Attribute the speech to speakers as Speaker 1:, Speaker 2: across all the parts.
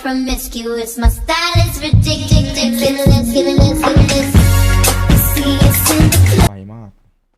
Speaker 1: promiscuous. My style is ridiculous. Fearless. See us in the club.
Speaker 2: ไวมาก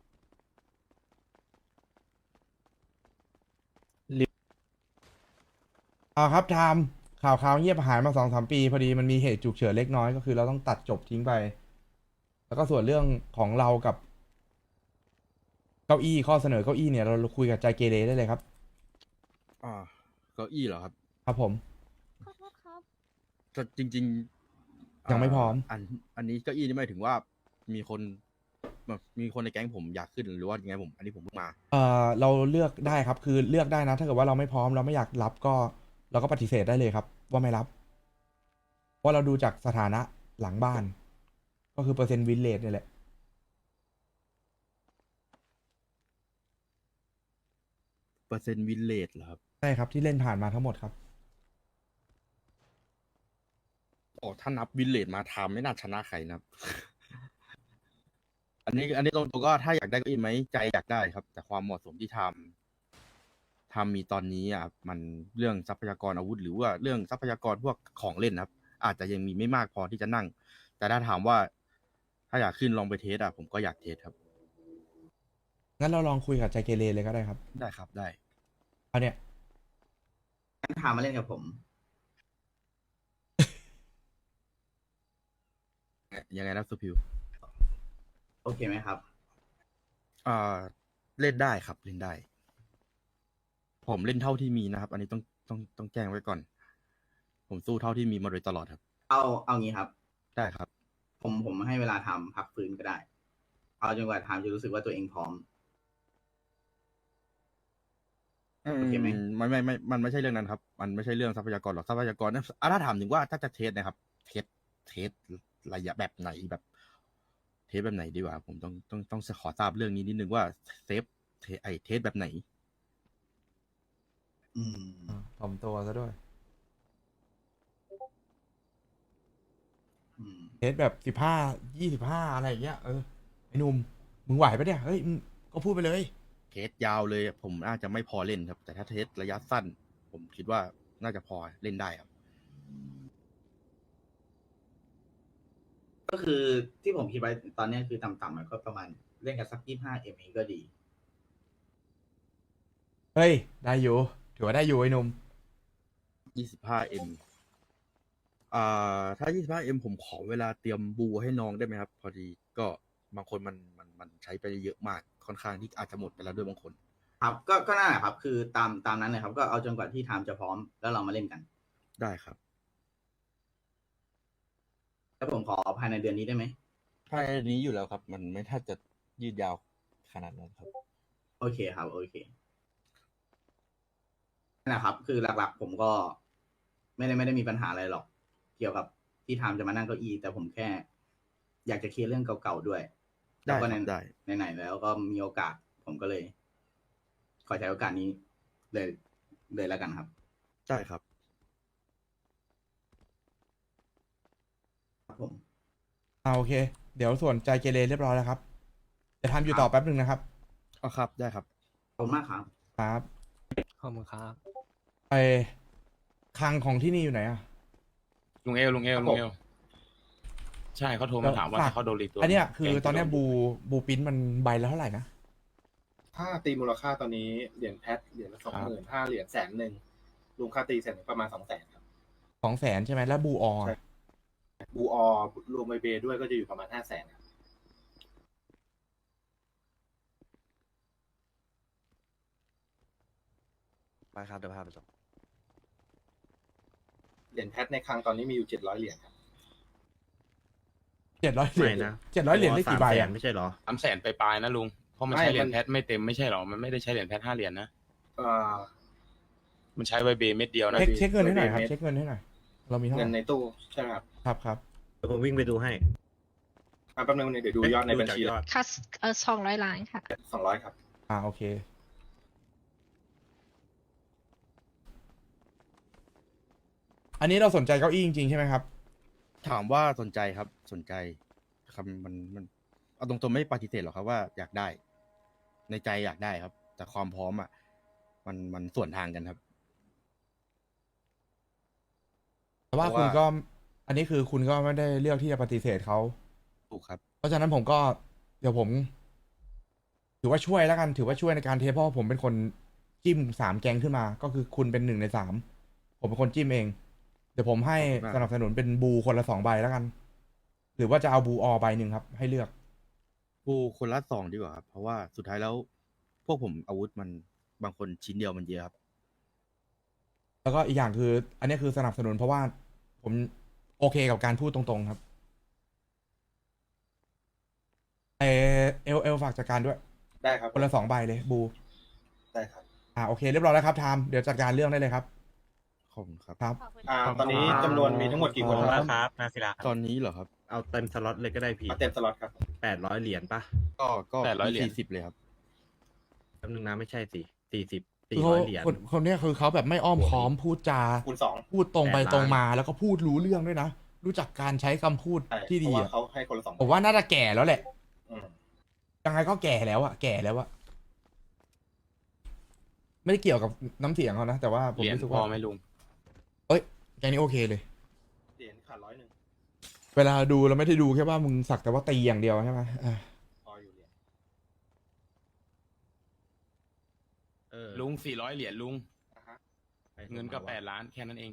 Speaker 2: ครับไทม์ข่าวเงียบหายมา2-3 ปีพอดีมันมีเหตุฉุกเฉินเล็กน้อยก็คือเราต้องตัดจบทิ้งไป แล้วก็ส่วนเรื่องของเรากับเก้าอี้ข้อเสนอเก้าอี้เนี่ยเราคุยกับใจเกเรได้เลยครับ
Speaker 3: อ่าเก้าอี้เหรอครับ
Speaker 2: ครับผม
Speaker 4: ขอโทษครับ
Speaker 3: ก็จริงๆ
Speaker 2: ยังไม่พร้อม
Speaker 3: อันนี้เก้าอี้นี่หมายถึงว่ามีคนแบบมีคนในแก๊งผมอยากขึ้นหรือว่ายังไงผมอันนี้ผมเพิ่งมา
Speaker 2: เราเลือกได้ครับคือเลือกได้นะ ถ้าเกิดว่าเราไม่พร้อมเราไม่อยากรับก็เราก็ปฏิเสธได้เลยครับ ว่าไม่รับ เพราะเราดูจากสถานะหลังบ้าน ก็คือเปอร์เซ็นต์วินเลทนี่แหละ
Speaker 3: เปอร์เซ็นต์วินเลจเหรอครับ
Speaker 2: ใช่ครับที่เล่นผ่านมาทั้งหมดครับ
Speaker 3: โอ้ถ้านับวินเลจมาทำไม่น่าชนะใครนะครับ อันนี้ตรงๆก็ถ้าอยากได้เก้าอี้ไหมใจอยากได้ครับ แต่ความเหมาะสมที่ทำมีตอนนี้อ่ะมันเรื่องทรัพยากรอาวุธ หรือว่าเรื่องทรัพยากรพวกของเล่นนะครับ อาจจะยังมีไม่มากพอที่จะนั่ง แต่ถ้าถามว่า ถ้าอยากขึ้นลองไปเทสอ่ะผมก็อยากเทสครับ
Speaker 2: งั้นเราลองคุยกับใจเกเรเลยก็ได้ครับ
Speaker 3: ได้ครับได้
Speaker 2: เอาเนี่ย
Speaker 5: งั้นถามมาเล่นกับผม
Speaker 3: ยังไงนะสุพิว
Speaker 5: โอเคไหมครับ
Speaker 3: อ่าเล่นได้ครับเล่นได้ ผมเล่นเท่าที่มีนะครับ อันนี้ต้องแจ้งไว้ก่อน ผมสู้เท่าที่มีมาโดยตลอดครับ
Speaker 5: เอางี้ครับ
Speaker 3: ได้ครับ
Speaker 5: ผมให้เวลาทำพักฟื้นก็ได้ เอาจนกว่าทำจะรู้สึกว่าตัวเองพร้อม โอเคไหม
Speaker 3: มันไม่ใช่เรื่องนั้นครับ มันไม่ใช่เรื่องทรัพยากรหรอกทรัพยากรนะถ้าถามถึงว่าถ้าจะเทสนะครับ เทสระยะแบบไหนแบบ เทสแบบไหนดีกว่า ผมต้องขอทราบเรื่องนี้นิดนึงว่าเทสแบบไหน
Speaker 5: อืม
Speaker 2: ถ่อมตัวซะด้วย
Speaker 5: อืม
Speaker 2: เทสแบบ15-25อะไรอย่างเงี้ยไอ้หนุ่มมึงไหวปะเนี่ยเฮ้ยมึงก็พูดไปเลย
Speaker 3: เทสยาวเลยผมน่าจะไม่พอเล่นครับ แต่ถ้าเทสระยะสั้น ผมคิดว่าน่าจะพอเล่นได้ครับ
Speaker 5: ก็คือที่ผมคิดไว้ตอนนี้คือต่ำๆมันก็ประมาณเล่นกันสัก25 มก็ดี
Speaker 2: เฮ้ยได้อยู่ถือว่าได้อยู่ไอ้หนุ่ม
Speaker 3: 25M ถ้า 25M ผมขอเวลาเตรียมบูให้น้องได้ไหมครับ พอดีก็บางคนมันใช้ไปเยอะมากค่อนข้างที่อาจจะหมดไปแล้วด้วยบางคน
Speaker 5: ครับ ก็นั่นแหละครับ คือตามนั้นเลยครับ ก็เอาจนกว่าที่ทำจะพร้อมแล้วเรามาเล่นกัน
Speaker 3: ได้ครับ
Speaker 5: แล้วผมขอภายในเดือนนี้ได้ไหม
Speaker 3: ภายในนี้อยู่แล้วครับ มันไม่ถ้าจะยืดยาวขนาดนั้นครับ
Speaker 5: โอเคครับ โอเคนั่นแหละครับ คือหลักๆ ผมก็ไม่ได้มีปัญหาอะไรหรอก เกี่ยวกับที่ทำจะมานั่งเก้าอี้แต่ผมแค่ อยากจะเคลียร์เรื่องเก่าๆด้วย
Speaker 3: ได้
Speaker 5: แล้วก็
Speaker 3: ครับได้
Speaker 5: ไหนๆแล้วก็มีโอกาส ผมก็เลย ขอใช้โอกาสนี้เลยแล้วกันครับ
Speaker 3: ได้ครับ
Speaker 5: ครับผม
Speaker 2: โอเค เดี๋ยวส่วนใจเกเรเรียบร้อยแล้วครับจะทำอยู่ต่อแป๊บหนึ่งนะครับ
Speaker 3: ครับ ได้ครับ
Speaker 5: ขอบคุณมากครับ
Speaker 2: ครับ
Speaker 6: ขอบคุณครับ
Speaker 2: ไอคลังของที่นี่อยู่ไหนอะ
Speaker 6: ลุงเอล ใช่เขาโทรมาถามว่า
Speaker 2: ฝาก
Speaker 6: ถ้าเขาโดนรีตัว
Speaker 2: อันเนี้ยคือ
Speaker 6: แก๊ง
Speaker 2: ตอนเนี้ย
Speaker 6: จะโด
Speaker 2: บูปิ้นมันใบละเท่าไหร่นะ
Speaker 7: ถ้าตีมูลค่าตอนนี้เหรียญแพทเหรียญละ20,000ถ้าเหรียญ100,000รวมค่าตีเสร็จประมาณ200,000ครับ
Speaker 2: 200,000ใช่ไหมแล้วบูออ
Speaker 7: ใช่ บูออรวมไบเบด้วยก็จะอยู่ประมาณ500,000ครับ
Speaker 3: ไปครับเดี๋ยวพาไปส่ง
Speaker 7: เหรียญแพทในคลังตอนนี้มีอยู่700 เหรียญครับ
Speaker 2: 700 เหรียญ700 เหรียญได้กี่ใบอะ
Speaker 3: ไม่ใช่เหรอ
Speaker 6: 300,000ไปปลายๆนะลุง เพราะมันใช้เหรียญแพทไม่เต็มไม่ใช่หรอ มันไม่ได้ใช้เหรียญแพท5 เหรียญนะ
Speaker 7: เอ่อ
Speaker 6: มันใช้ไวเบเม็ดเดียวนะ
Speaker 2: เช็คเงินให้หน่อยครับเช็คเงินให้หน่อยเรามีเท่าไห
Speaker 7: เงิ
Speaker 2: ร่
Speaker 7: นในตู้ใช่ไหมครับ
Speaker 2: ครับ
Speaker 3: เดี๋ยวผมวิ่งไปดูให้
Speaker 7: แป๊บนึงเดี๋ยวดูยอดในบัญชี
Speaker 4: คัส200 ล้านค่ะ
Speaker 7: 200ครับ
Speaker 2: โอเคอันนี้เราสนใจเก้าอี้จริงๆใช่ไหมครับ
Speaker 3: ถามว่าสนใจครับ สนใจคำมันเอาตรงๆไม่ปฏิเสธหรอกครับว่าอยากได้ ในใจอยากได้ครับ แต่ความพร้อมอ่ะมันส่วนทางกันครับ
Speaker 2: แต่ว่า
Speaker 3: เพราะว่า
Speaker 2: คุณก็อันนี้คือคุณก็ไม่ได้เลือกที่จะปฏิเสธเขา
Speaker 3: ถูกครับ
Speaker 2: เพราะฉะนั้นผมก็เดี๋ยวผม ถือว่าช่วยแล้วกัน ถือว่าช่วยในการเทสเพราะว่าผมเป็นคนจิ้ม3 แก๊งขึ้นมา ก็คือคุณเป็น1 ใน 3ผมเป็นคนจิ้มเอง เดี๋ยวผมให้
Speaker 3: ขอบคุณมาก
Speaker 2: สนับสนุนเป็นบูคนละ2 ใบแล้วกัน หรือว่าจะเอาบูออใบหนึ่งครับ ให้เลือก
Speaker 3: กูคนละ2ดีกว่าครับเพราะว่าสุดท้ายแล้ว พวกผมอาวุธมันบางคนชิ้นเดียวมันเยอะครับ
Speaker 2: แล้วก็อีกอย่างคือ อันนี้คือสนับสนุนเพราะว่าผมโอเคกับการพูดตรงๆครับเอลฝากจัดการด้วย
Speaker 7: ได้ครับ
Speaker 2: คนละ2 ใบเลยบู
Speaker 7: ได้ครับ
Speaker 2: โอเคเรียบร้อยแล้วครับไทม์เดี๋ยวจัดการเรื่องได้เลยครับ
Speaker 3: ขอบคุณครับ
Speaker 2: ครับ
Speaker 7: ตอนนี้จำนวนมีทั้งหมดกี่คนครับ
Speaker 8: ครับนาศิลา
Speaker 3: ตอนนี้เหรอครับ
Speaker 9: เอาเต็มสล็อตเลยก็ได้พี่
Speaker 7: เอาเต็มสล็อตครับ
Speaker 9: 800 เหรียญปะ
Speaker 3: ก็
Speaker 6: 800 เหรียญ
Speaker 3: 40เลยครับ
Speaker 9: แป๊บนึงนะไม่ใช่สิ40
Speaker 2: คือเขา
Speaker 9: 400 เหรียญ
Speaker 2: คนเนี้ยคือเขาแบบไม่อ้อมค้อมพูดจา
Speaker 7: คูณ2
Speaker 2: พูดตรงไป
Speaker 9: 8 ล้าน
Speaker 2: ตรงมาแล้วก็พูดรู้เรื่องด้วยนะ รู้จักการใช้คำพูด
Speaker 7: ใช่
Speaker 2: ที่
Speaker 7: เพ
Speaker 2: ดี
Speaker 7: ราะว่า
Speaker 2: อะ
Speaker 7: เขาให้คนละ2
Speaker 2: ผมว่าน่าจะแก่แล้วแหละ
Speaker 7: อืม
Speaker 2: ยังไงก็แก่แล้วอะแก่แล้วอะไม่ได้เกี่ยวกับน้ำเสียงเขานะ แต่ว่าผม
Speaker 6: เหรียญ
Speaker 2: รู้สึก
Speaker 6: พอ
Speaker 2: ว่า
Speaker 6: ไหมลุง
Speaker 2: แกนี้โอเคเลย
Speaker 7: เหรียญขาด100
Speaker 2: เวลาดูเราไม่ได้ดูแค่ว่ามึงสักแต่ว่าตีอย่างเดียวใช่ไหม
Speaker 7: พออยู่เหรียญ
Speaker 6: ลุง 400 เหรียญลุง
Speaker 7: อ่ะฮะ
Speaker 6: เงินก็8 ล้านแค่นั้นเอง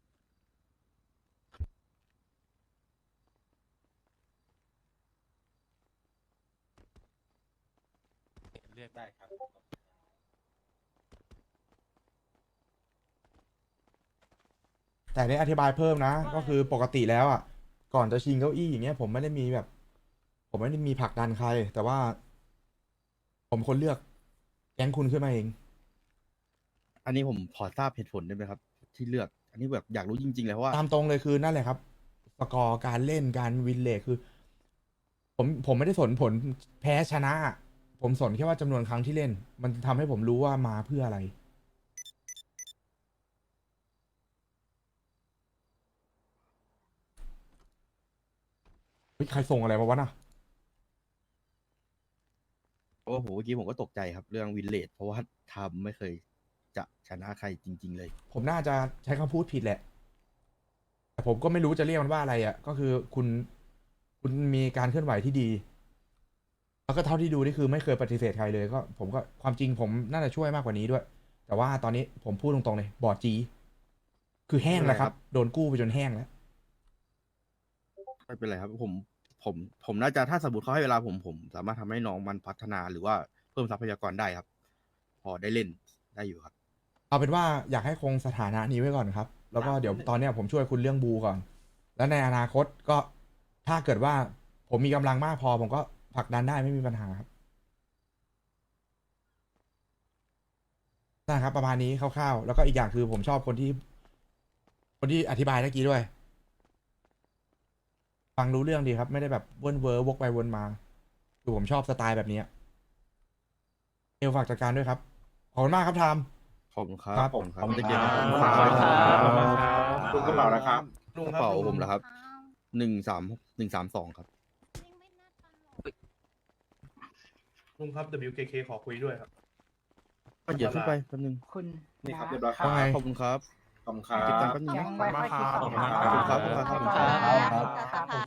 Speaker 7: ได้ครับ
Speaker 2: แต่ได้อธิบายเพิ่มนะ ก็คือปกติแล้วอ่ะ ก่อนจะชิงเก้าอี้อย่างเงี้ย ผมไม่ได้มีแบบ ผมไม่ได้มีผลักดันใคร แต่ว่า ผมคนเลือกแก๊งคุณขึ้นมาเอง
Speaker 3: อันนี้ผมพอทราบเหตุผลได้ไหมครับ ที่เลือก อันนี้แบบอยากรู้จริงๆเลยเพราะว่า
Speaker 2: ตามตรงเลยคือนั่นแหละครับ สกอร์การเล่นการวินเลทคือ ผมไม่ได้สนผลแพ้ชนะ ผมสนแค่ว่าจำนวนครั้งที่เล่น มันทำให้ผมรู้ว่ามาเพื่ออะไร เฮ้ยใครส่งอะไรมาวะน่ะ
Speaker 3: โอ้โหเมื่อกี้ผมก็ตกใจครับ เรื่องวินเลดเพราะว่าทำไม่เคยจะชนะใครจริง ๆ เลย
Speaker 2: ผมน่าจะใช้คำพูดผิดแหละ แต่ผมก็ไม่รู้จะเรียกมันว่าอะไรอ่ะ ก็คือคุณมีการเคลื่อนไหวที่ดี แล้วก็เท่าที่ดูนี่คือไม่เคยปฏิเสธใครเลย ก็ผมก็ความจริงผมน่าจะช่วยมากกว่านี้ด้วย แต่ว่าตอนนี้ผมพูดตรงๆเลย บอดจี คือแห้งแล้วครับ โดนกู้ไปจนแห้งแล้ว
Speaker 3: ไม่เป็นไรครับ ผมน่าจะถ้าสมมติเขาให้เวลาผมสามารถทำให้น้องมันพัฒนาหรือว่าเพิ่มทรัพยากรได้ครับ พอได้เล่นได้อยู่ครับ
Speaker 2: เอาเป็นว่าอยากให้คงสถานะนี้ไว้ก่อนครับ แล้วก็เดี๋ยวตอนเนี้ยผมช่วยคุณเรื่องบูก่อน แล้วในอนาคตก็ถ้าเกิดว่าผมมีกำลังมากพอ ผมก็ผลักดันได้ไม่มีปัญหาครับนะครับ ประมาณนี้คร่าวๆ แล้วก็อีกอย่างคือผมชอบคนที่อธิบายเมื่อกี้ด้วย ฟังรู้เรื่องดีครับ ไม่ได้แบบวนเวอร์วกไปวนมาคือผมชอบสไตล์แบบนี้เอลฝากจัดการด้วยครับ ขอบคุณมากครับไทม์
Speaker 3: ขอบคุณครับ
Speaker 2: ครับ
Speaker 3: ขอบคุณครับ
Speaker 7: ขอบคุณ
Speaker 3: จะเก็บ
Speaker 7: ครับ
Speaker 3: ขอบคุณครับ
Speaker 7: ลุงกระเป๋านะครับ
Speaker 3: กระเป๋าผมเหรอครับ13132ครับ
Speaker 10: ลุงครับ WKK ขอคุยด้วยครับ
Speaker 3: ก็เดี๋ยวขึ้นไปแป๊บนึง
Speaker 11: คุณ
Speaker 7: นี่ครับเรียบร้อยครั
Speaker 2: ว่าไง
Speaker 3: ขอบคุณครับ
Speaker 7: ขอบคุณครั
Speaker 3: เก็บตังค์
Speaker 7: บ
Speaker 3: แป๊บนึงนะ
Speaker 11: ยังไม่ค่อยคิด
Speaker 3: ขอบคุณครับขอบคุณครับ
Speaker 11: ครับ